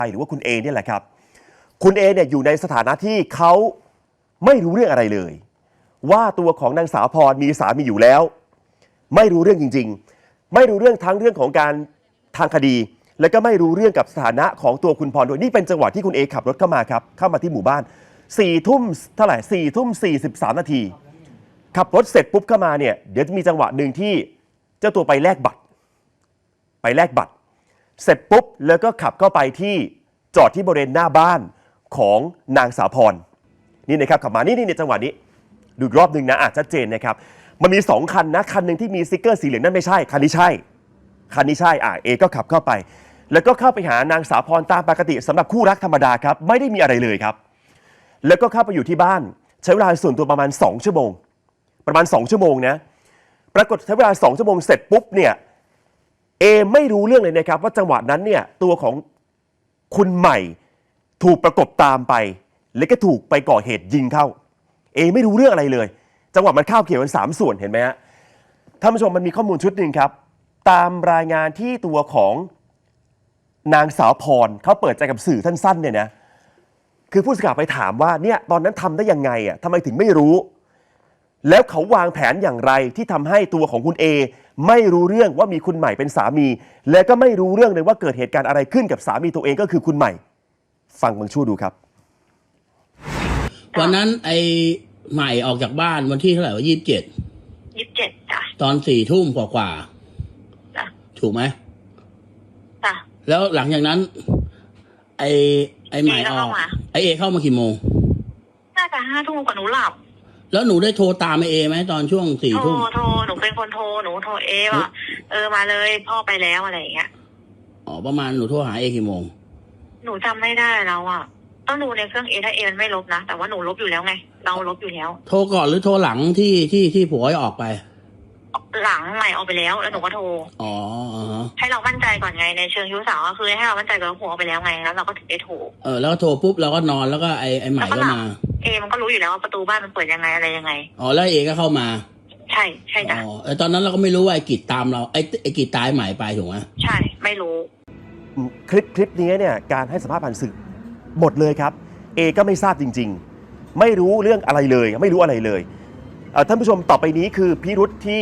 หรือว่าคุณเอเนี่ยแหละครับคุณเอเนี่ยอยู่ในสถานะที่เขาไม่รู้เรื่องอะไรเลยว่าตัวของนางสาวพรมีสามีอยู่แล้วไม่รู้เรื่องจริงๆไม่รู้เรื่องทั้งเรื่องของการทางคดีแล้วก็ไม่รู้เรื่องกับสถานะของตัวคุณพรด้วยนี่เป็นจังหวะที่คุณเอขับรถเข้ามาครับเข้ามาที่หมู่บ้าน4 ทุ่มเท่าไหร่4 ทุ่ม 43 นาทีขับรถเสร็จปุ๊บเข้ามาเนี่ยเดี๋ยวจะมีจังหวะหนึ่งที่เจ้าตัวไปแลกบัตรเสร็จปุ๊บแล้วก็ขับเข้าไปที่จอดที่บริเวณหน้าบ้านของนางสาวพรนี่นะครับขับมานี่ในจังหวะนี้ดูรอบหนึ่งนะชัดเจนนะครับมันมี2คันนะคันหนึ่งที่มีสติ๊กเกอร์สีเหลืองนั่นไม่ใช่คันนี้ใช่เอก็ขับเข้าไปแล้วก็เข้าไปหานางสาวพรตามปกติสำหรับคู่รักธรรมดาครับไม่ได้มีอะไรเลยครับแล้วก็เข้าไปอยู่ที่บ้านใช้เวลาส่วนตัวประมาณ2 ชั่วโมงนะปรากฏใช้เวลา2 ชั่วโมงเสร็จปุ๊บเนี่ยเอไม่รู้เรื่องเลยนะครับว่าจังหวะนั้นเนี่ยตัวของคุณใหม่ถูกประกบตามไปแล้วก็ถูกไปก่อเหตุยิงเข้าเอไม่รู้เรื่องอะไรเลยจังหวะมันข้าวเกี่ยวกัน3 ส่วนเห็นไหมฮะท่านผู้ชมมันมีข้อมูลชุดหนึ่งครับตามรายงานที่ตัวของนางสาวพรเขาเปิดใจกับสื่อสั้นๆเนี่ยนะคือผู้สื่อข่าวไปถามว่าเนี่ยตอนนั้นทำได้ยังไงทำไมถึงไม่รู้แล้วเขาวางแผนอย่างไรที่ทำให้ตัวของคุณเอไม่รู้เรื่องว่ามีคุณใหม่เป็นสามีและก็ไม่รู้เรื่องเลยว่าเกิดเหตุการณ์อะไรขึ้นกับสามีตัวเองก็คือคุณใหม่ฟังบางช่วงดูครับวันนั้นไอ้ใหม่ออกจากบ้านวันที่เท่าไหร่ว่า27 จ้ะตอน4 ทุ่มกว่าจ้ะถูกไหมจ้ะแล้วหลังจากนั้นไอ้ใหม่ออกไอ้เอเข้ามากี่โมงน่าจะ5 ทุ่มกว่าหนูหลับแล้วหนูได้โทรตามไอ้เอไหมตอนช่วง4 ทุ่มโทรหนูเป็นคนโทรหนูโทรว่ามาเลยพ่อไปแล้วอะไรอย่างเงี้ยประมาณหนูโทรหาเอกี่โมงหนูจำไม่ได้แล้วต้องดูในเครื่องถ้ามันไม่ลบนะแต่ว่าหนูลบอยู่แล้วไงเราลบอยู่แล้วโทรก่อนหรือโทรหลังที่ผัวออกไปหลังใหม่ออกไปแล้วหนูก็โทรให้เรามั่นใจก่อนไงในเชิงชู้สาวก็คือให้เรามั่นใจก่อนว่าผัวออกไปแล้วไงแล้วเราก็ถึงได้โทรแล้วโทรปุ๊บเราก็นอนแล้วก็ไอ้ใหม่ก็มามันก็รู้อยู่แล้วว่าประตูบ้านมันเปิดยังไงอะไรยังไงแล้วเอก็เข้ามาใช่จ้ะตอนนั้นเราก็ไม่รู้ว่าไอ้กิจตามเราไอ้กิจตายใหม่ไปถูกไหมใช่ไม่รู้คลิปนี้เนี่ยการให้สัมภาษณ์ผ่านสื่อหมดเลยครับเอก็ไม่ทราบจริงๆไม่รู้เรื่องอะไรเลยไม่รู้อะไรเลยท่านผู้ชมต่อไปนี้คือพิรุธที่